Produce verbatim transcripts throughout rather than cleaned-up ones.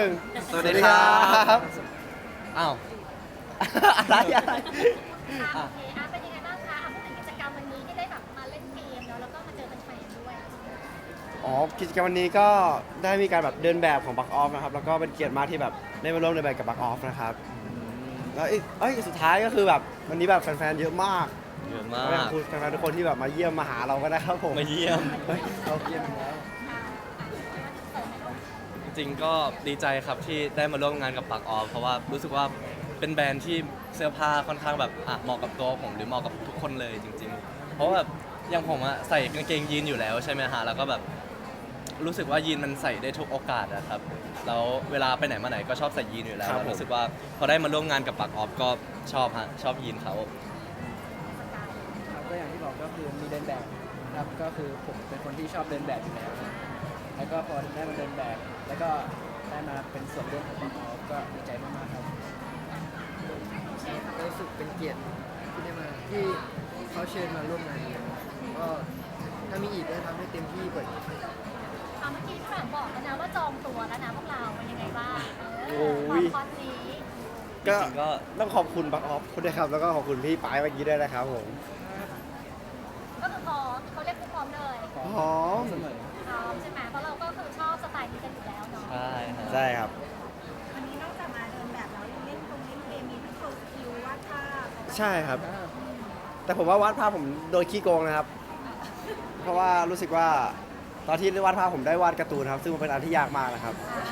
นึ่งสวัสดีครับอ้าว อะไรอะไรอ่ะโอเคอ่ะเป็นยังไงบ้างคะอ่ะพูดถึงกิจกรรมวันนี้ที่ได้แบบมาเล่นเกมเนาะแล้วก็มาเจอแฟนๆด้วยอ๋อกิจกรรมวันนี้ก็ได้มีการแบบเดินแบบของบักออฟนะครับแล้วก็เป็นเกียรติมากที่แบบได้มาร่วมเดินแบบกับบักออฟนะครับแล้วเอ้ยเอ้ยสุดท้ายก็คือแบบวันนี้แบบแฟนๆเยอะมากเยอะมาขอบกคุณแฟนๆทุกคนที่แบบมาเยี่ยมมาหาเราก็ได้ครับผมมาเยี่ยมเฮ้ยเราเยี่ยมแล้วอ่าอ่ะเปิดไหมลูกจริงๆก็ดีใจครับที่ได้มาร่วมงานกับปักออฟเพราะว่ารู้สึกว่าเป็นแบรนด์ที่เสื้อผ้าค่อนข้างแบบอ่ะเหมาะกับตัวผมหรือเหมาะกับทุกคนเลยจริง ๆ เพราะว่าแบบอย่างผมอะใส่กางเกงยีนอยู่แล้วใช่ไหมฮะแล้วก็แบบรู้สึกว่ายีนมันใส่ได้ทุกโอกาสอะครับแล้วเวลาไปไหนมาไหนก็ชอบใส่ยีนอยู่แล้วแล้วรู้สึกว่าพอได้มาร่วมงานกับปักออฟก็ชอบฮะชอบยีนเขาครับก็อย่างที่บอกก็คือมีเดินแบบครับก็คือผมเป็นคนที่ชอบเดินแบบอยู่แล้วนะแล้วก็พอได้มาเดินแบบ แล้วก็ได้มาเป็นส่วนร่วมของบอก็ดีใจมากๆครับก็รู้สึกเป็นเกียรติที่ได้มาที่เขาเชิญมาร่วมงานนี้ก็ถ้ามีอีกก็ทำให้เต็มที่กว่านี้อ่ะเมื่อกี้พี่หมากบอกแล้วนะว่าจองตัวแล้วนะพวกเราเป็นยังไงบ้างเอโอ้อย คอนนี้ก็จริงๆก็ต้องขอบคุณบักออฟคุณด้วยครับแล้วก็ขอบคุณพี่ปายเมื่อกี้ด้วยนะครับผมก็คือพร้อมเขาเรียกพร้อมเลยหอมเสมอพร้อมใช่ไหมเพราะเราก็คือชอบสไตล์นี้กันอยู่แล้วเนาะใช่ฮะใช่ครับวันนี้นอกจากมาเดินแบบแล้วยังเล่นตรงเล่นเกมมีทั้งโชว์สกิลวาดภาพใช่ครับ แต่ผมว่าวาดภาพผมโดยขี้โกงนะครับ เพราะว่ารู้สึกว่าตอนที่วาดภาพผมได้วาดการ์ตูนครับ ซึ่งมันเป็นอันที่ยากมากนะครับ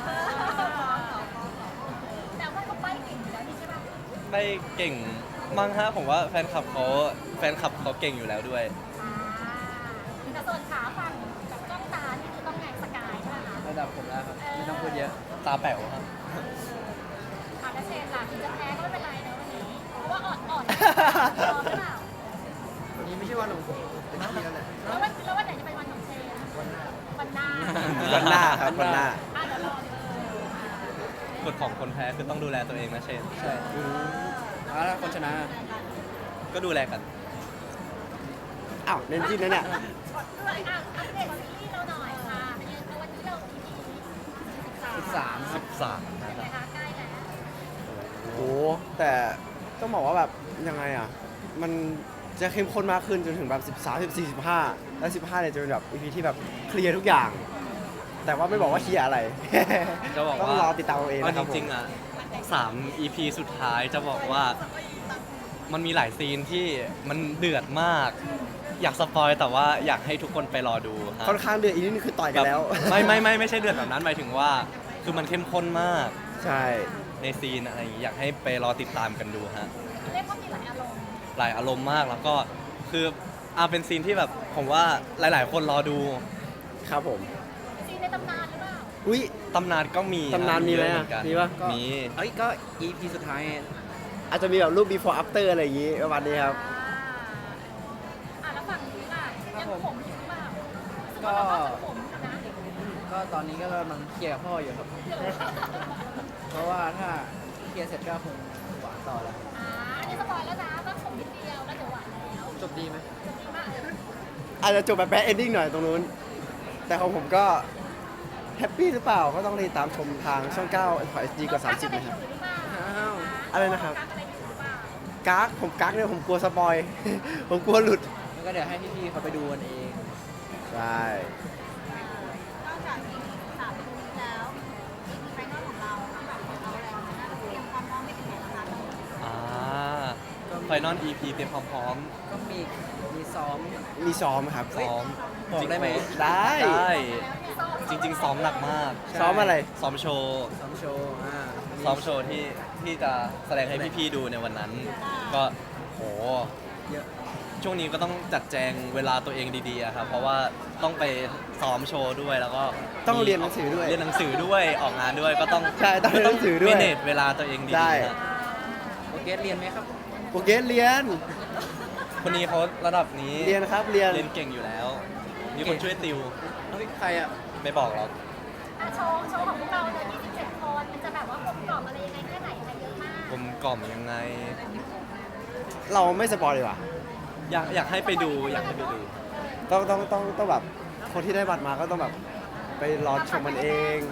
แต่ว่าเขาไปเก่งอยู่แล้วนี่ใช่ปะไม่เก่งมั้งฮะผมว่าแฟนคลับเขาแฟนคลับเขาเก่งอยู่แล้วด้วยอ่าแต่ส่วนขาฝั่งแบบจ้องตานี่คือต้องไงสกายใช่ไหมคะระดับผมแล้วครับไม่ต้องพูดเยอะตาแป๋วครับขาและเชนล่ะถึงจะแพ้ก็ไม่เป็นไรเนอะวันนี้ เพราะว่าอ่อนอ่อนพร้อมหรือเปล่าวันนี้ไม่ใช่วันของผมเป็นที่แล้วแหละแล้ววันแล้ววันไหนจะเป็นวันของเชนวันหน้าวันหน้าวันหน้าครับวันหน้าอ่ะเดี๋ยวรอดูกฎของคนแพ้คือต้องดูแลตัวเองนะเชนใช่แล้วถ้าคนชนะก็ดูแลกันอ้าวเน้นจิ้นนะเนี่ยด้วยอ่ะอัปเดตซีรีส์เราหน่อยค่ะเป็นยังไงวันนี้เรา อี พีสิบสามสิบสามเป็นะนคไงรับคะใกล้แล้วโอ้แต่ต้องบอกว่าแบบยังไงอ่ะ มันจะเข้มข้นมากขึ้นจนถึงแบบสิบสาม สิบสี่ สิบห้าแล้วสิบห้าเนี่ยจะเป็นแบบ อี พี ที่แบบเคลียร์ทุกอย่าง แต่ว่าไม่บอกว่าเคลียร์อะไรจะบอกต้องว่ารอติดตามเอาเองเอานะคจรับผมริงๆอ่ะสาม อี พี สุดท้ายจะบอกว่ามันมีหลายซีนที่มันเดือดมาก อยากสปอยแต่ว่าอยากให้ทุกคนไปรอดูฮะค่อนข้างเดือดอีกนิดนึงคือต่อยกันแล้วบบไม่ไม่ไม่ไม่ใช่เดือดแบบนั้นหมายถึงว่า คือมันเข้มข้นมากใช่ในซีนอะไรอย่างงี้อยากให้ไปรอติดตามกันดูฮะเรียกว่ามีหลายอารมณ์หลายอารมณ์มากแล้วก็คืออาเป็นซีนที่แบบผมว่าหลาย ๆ คนรอดูครับผมซีนในตำนานหรือเปล่าอุ้ยตำนานก็มีตำนานมีไหมเยอะอะเอนกันมีปะมีเอ้ยก็ อี พี สุดท้ายอาจจะมีแบบรูป before after อะไรอย่างงี้ประมาณนี้ครับอ่าอ่ะแล้วฝั่งนี้ล่ะยังผมอยู่หรือเปล่ารู้สึกก็ว่าเราก็ผมอยู่นะก็ตอนนี้ก็กำลังเคลียร์กับพ่ออยู่ครับ เพราะว่าถ้าเคลียร์เสร็จก็คงหวานต่อแล้วอ่าอันนี้สปอยแล้วนะว่าผมนิดเดียวแล้วเดี๋ยวหวานแล้วจบดีไหมจะดีมากเลยอาจจะจบแบบแบดเอนดิ้งหน่อยตรงนู้น แต่ของผมก็แฮปปี้หรือเปล่า ก็ต้องติดตามชมทางช่องเก้า เอส ดี กว่า สามสิบ นะครับอ้าวอะไรนะครับกักอะไรอยู่หรือเปล่ากักผมกักเนี่ยผมกลัวสปอย ผมกลัวหลุดแล้วก็เดี๋ยวให้พี่ๆเขาไปดูกันเองใช่นอกจากอีพีสามตรงนี้แล้วอีพีไฟนอลของเราที่แบบของเราแล้วนะเตรียมความพร้อมไปถึงไหนแล้วคะอ่าไฟนอล อี พี เตรียมความพร้อมก็มีมีซ้อมมีซ้อมครับซ้อมบอกได้ไหมได้ได้แล้วที่ซ้อมจริง ๆ ซ้อมหนักมากใช่ซ้อมอะไรซ้อมโชว์ซ้อมโชว์อ่าซ้อมโชว์ที่ที่จะแสดงให้พี่ๆดูในวันนั้น ก็โหเยอะช่วงนี้ก็ต้องจัดแจงเวลาตัวเองดีๆอะครับเพราะว่าต้องไปซ้อมโชว์ด้วยแล้วก็ต้องเรียนหนังสือด้วยเรียนหนังสือด้วยออกงานด้วยก็ต้องใช่ต้องเรียนหนังสือด้วยเมเนจเวลาตัวเองดีใช่ๆฮะโอเคเรียนไหมครับโปรเกสเรียนคนนี้เขาระดับนี้เรียนครับ เรียนเรียนเก่งอยู่แล้ว มีคนช่วยติวเฮ้ยใครอ่ะไม่บอกหรอกอ่ะโชว์โชว์ของพวกเราเลยยี่สิบเจ็ดคนมันจะแบบว่ากลมกล่อมอะไรยังไงแค่ไหนอะไรเยอะมากกลมกล่อมยังไงเราไม่สปอยดีกว่าอยากอยากให้ไปดูอยากให้ไปดูต้องต้องต้องต้องแบบคนที่ได้บัตรมาก็ต้องแบบไปรอชมมันเอง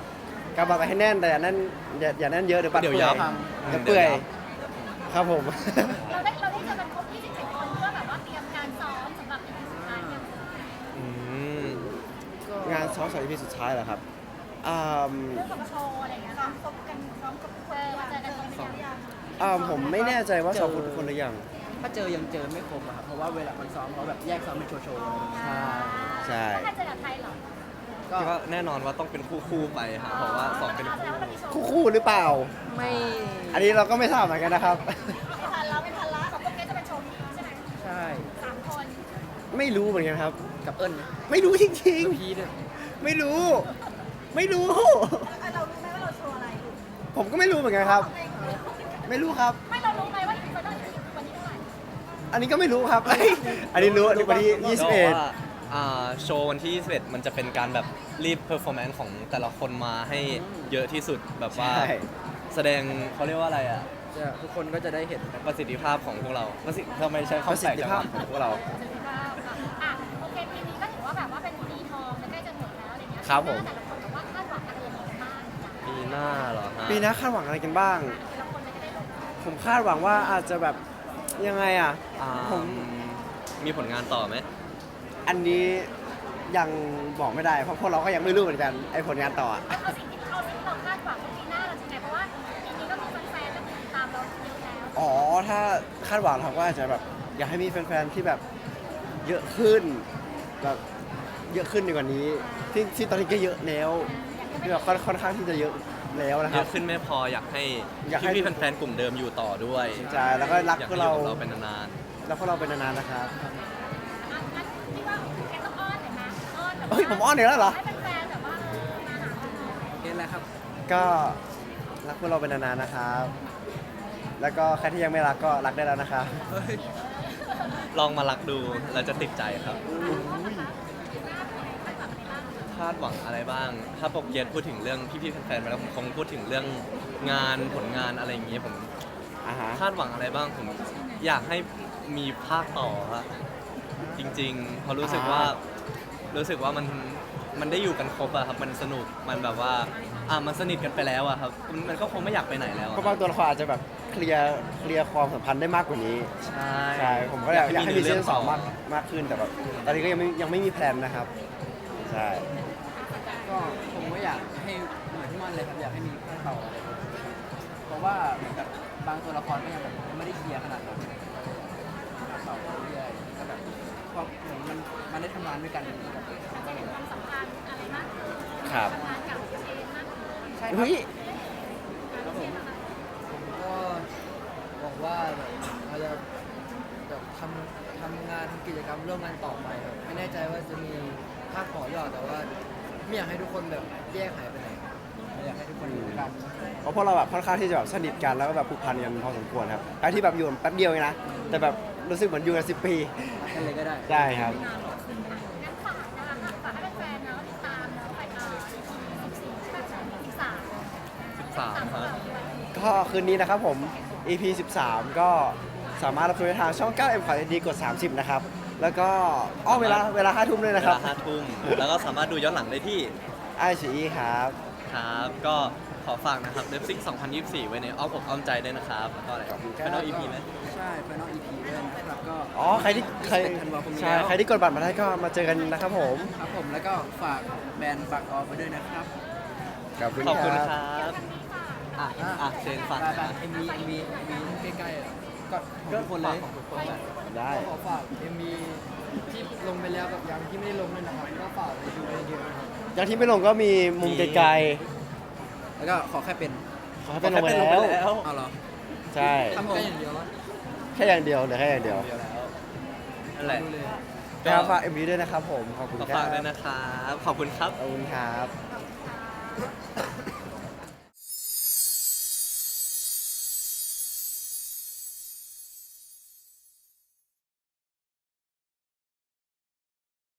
กำบังให้แน่นแต่อย่าแน่นอย่าอย่าแน่นเยอะเดี๋ยวปัดเดี๋ยวเปื่ยัอยบเดี๋ยวเปื่อยครับผมเราได้เราได้เจอกันครบยี่สิบเจ็ดคนเพื่อแบบว่าเตรียมการซ้อมสำหรับอีพีสุดท้ายเนี่ยอืมงานซ้อมสายพีสุดท้ายเหรอครับอ่าเรื่องของโชว์อะไรอย่างเงี้ยซ้อมครบกันซ้อมกับเพื่อนมาเจอกันตรงนี้ยังอ่าผมไม่แน่ใจว่าซ้อมคนทุกคนหรือยังถ้าเจอยังเจอไม่ครบอะครับเพราะว่าเวลามันซ้อมเขาแบบแยกซ้อมเป็นโชว์ๆใช่ใช่ถ้าเจอกับไทยเหรอก็ก็แน่นอนว่าต้องเป็นคู่ๆไปฮะเพราะว่าสองเป็นแสดงว่าเรามีโชว์คู่คู่หรือเปล่าไม่อันนี้เราก็ไม่ทราบเหมือนกันนะครับไม่ทันแล้วไม่ทันแล้วของพวกนี้จะเป็นโชว์นี้ใช่ไหมใช่สามคนไม่รู้เหมือนกันครับกับเอิญไม่รู้จริงพีด้วยๆ ไม่รู้ ไม่รู้เรารู้ไหมว่าเราโชว์อะไรผมก็ไม่รู้เหมือนกันครับ ไม่รู้ครับไม่เรารู้ไหมว่าอีพีวันนี้วันนี้เท่าไหร่อันนี้ก็ไม่รู้ครับ อันนี้รู้อันนี้วันที่ยี่สิบเอ็ดก็ว่าอ่าโชว์วันที่ยี่สิบเอ็ดมันจะเป็นการแบบรีบเพอร์ฟอร์แมนซ์ของแต่ละคนมาให้เยอะที่สุดแบบว่าใช่แสดงเขาเรียกว่าอะไรอ่ะจะทุกคนก็จะได้เห็นประสิทธิภาพของพวกเราประสิทธิทำไมใช้ประคำสิแปลทกธิจังภาพวะของพวกเราอ่ะโอเคปีนี้ก็ถือว่าแบบว่าเป็นปีทองใกล้จะหมดแล้วอะไรเงี้ยครับผมแต่ละคนแบบว่าคาดหวังอะไรยังไงบ้างปีหน้าเหรอฮะปีหน้าคาดหวังอะไรกันบ้างแต่ละคนเลยจะได้รู้ผมคาดหวังว่าอาจจะแบบยังไงอ่ะอ่าผมมีผลงานต่อไหมอันนี้ยังบอกไม่ได้ เพราะพวกเราก็ยังไม่รู้เหมือนกันไอ้ผลงานต่ออะเอาสิ่งที่เอาสิ่งที่เราคาดหวังว่าปีหน้าเราจะไงเพราะว่าปีนี้ก็มีแฟนๆแล้วติดตามเราเยอะแล้วอ๋อ ถ้าคาดหวังเราก็อาจจะแบบอยากให้มีแฟนๆที่แบบเยอะขึ้นแบบเยอะขึ้นดีกว่านี้ ที่ที่ตอนนี้ก็เยอะแล้วที่แบบค่อนค่อนข้างที่จะเยอะแล้วนะคเยรับอะขึ้นไม่พออยากให้อยากให้พี่ๆแฟนๆกลุ่มเดิมอยู่ต่อด้วยใช่แล้วก็รักอยากพวให้กอยู่เรากับเราเป็นนานแล้วพวกเราเป็นนานๆนะครับอ่ะงั้นพี่ว่าแกต้องอ้อนหน่อยนะอ้อนแบบว่าเฮ้ยผมอ้อนอีกแล้วเหรอให้แฟนๆแบบว่าเออมาหาเราหน่อยเห็นแล้วครับก็รักพวกเราเป็นนานๆนะครับ แล้วก็ใครที่ยังไม่รักก็รักได้แล้วนะครับๆลองมารักดูเราจะติดใจครับ คาดหวังอะไรบ้าง ถ้าปกเกียรติพูดถึงเรื่องพี่ๆแฟนๆไปแล้วผมคงพูดถึงเรื่องงานผลงานอะไรอย่างเงี้ยผมอ่าฮะคาดหวังอะไรบ้างผมอยากให้มีภาคต่อครับจริงๆเพราะรู้สึกว่ารู้สึกว่ามันมันได้อยู่กันครบอะครับมันสนุกมันแบบว่าอ่ะมันสนิทกันไปแล้วอะครับมันมันก็คงไม่อยากไปไหนแล้วอะก็บางตัวละครอาจจะแบบเคลียร์เคลียร์ความสัมพันธ์ได้มากกว่านี้ใช่ใช่ ผมก็อยากอยากให้มีซีซั่นสองเรื่มากมากขึ้นแต่แบบตอนนี้ก็ยังไม่ยังไม่มีแพลนนะครับ ใช่ก็ผมก็อยากให้เหมือนที่มันเลยครับอยากให้มีภาคต่ออะไรแบบนี้เพราะว่าเหมือนกับบางตัวละครก็ยังแบบไม่ได้เคลียร์ขนาดนั้นภาคต่อไปเรื่อยๆก็แบบพอเหมือนมันมันได้ทำงานด้วยกันกับจะเห็นความสัมพันธ์อะไรมากขึ้นครับทำงานกับเชนมากขึ้นใช่ครับเฮ้ยครับผมผมก็บอกว่าแบบเราจะแบบทำทำงานทำกิจกรรมร่วมกันต่อไปครับไม่แน่ใจว่าจะมีภาคต่อหรือเปล่าแต่ว่าไม่อยากให้ทุกคนแบบแยกหายไปไหนอยากให้ทุกคนอยู่ด้วยกันเพราะพวกเราแบบค่อนข้างที่จะแบบสนิทกันแล้วก็แบบผูกพันกันพอสมควรครับไอ้ที่แบบอยู่กันแป๊บเดียวเองนะ แต่แบบรู้สึกเหมือนอยู่กันสิบปีกันเลยก็ได้ได้ครับงั้นฝากนะคะฝากให้แฟนๆเนาะติดตามเนาะไปเอ่อสิบสี่ใช่ไหมสิบสามสิบสามครับก็คืนนี้นะครับผม อี พี สิบสาม ก็สามารถรับชมได้ทางช่อง เก้า เอ็ม ขอดีกด สามสิบ นะครับ แล้วก็อ้อเวลาเวลาห้าทุ่มด้วยเวนะครับลาห้าทุ่มแล้วก็สามารถดูย้อนหลังได้ที่ไอซีครับครับ ก็ขอฝากนะครับเลิฟซิกสองพันยี่สิบสี่ไว้ในอ้อมอกอ้อมใจด้วยนะครับแล้วก็อะไรขอบคุณครับเป็นอ้ออีพีไหมใช่ Final อี พี ด้วยนะครับก็อ๋อ ใครที่ใครยี่สิบเอ็ดธันวาคมนี้ใช่แล้วใครที่กดบัตรมาได้ก็มาเจอกันนะครับผมครับผมแล้วก็ฝากแบรนด์บักออฟไปด้วยนะครับขอบคุณขอบคุณคครัรับ อ่ะ อ่ะเชนฝากหน่อยไปนะๆเอ็มวีเอ็มวีเอ็มวีใกล้ๆอ่ะก็ของทุกคนเลยของทุกคนแหละได้ก็ขอฝาก เอ็ม วี ที่ลงไปแล้วกับยังที่ไม่ได้ลงด้วยนะครับก็ฝากไปดูกันเยอะๆนะครับอย่างที่ไม่ลงก็มีมุมไกลแล้วก็ขอแค่เป็นๆขอให้เป็นลงไปขอให้เป็นลงไปแล้แล้ว วเอาเหรอใช่ทำแค่อย่างเดียวแล้วแค่อย่างเดียวเหลือแค่อย่างเดียวเดียวแล้วนั่นแหละดูเลยก็ฝาก เอ็ม วี ด้วยนะครับผม ขอบคุณขอครัฝากบด้วยนะครับ ขอบคุณครับขอบคุณครับ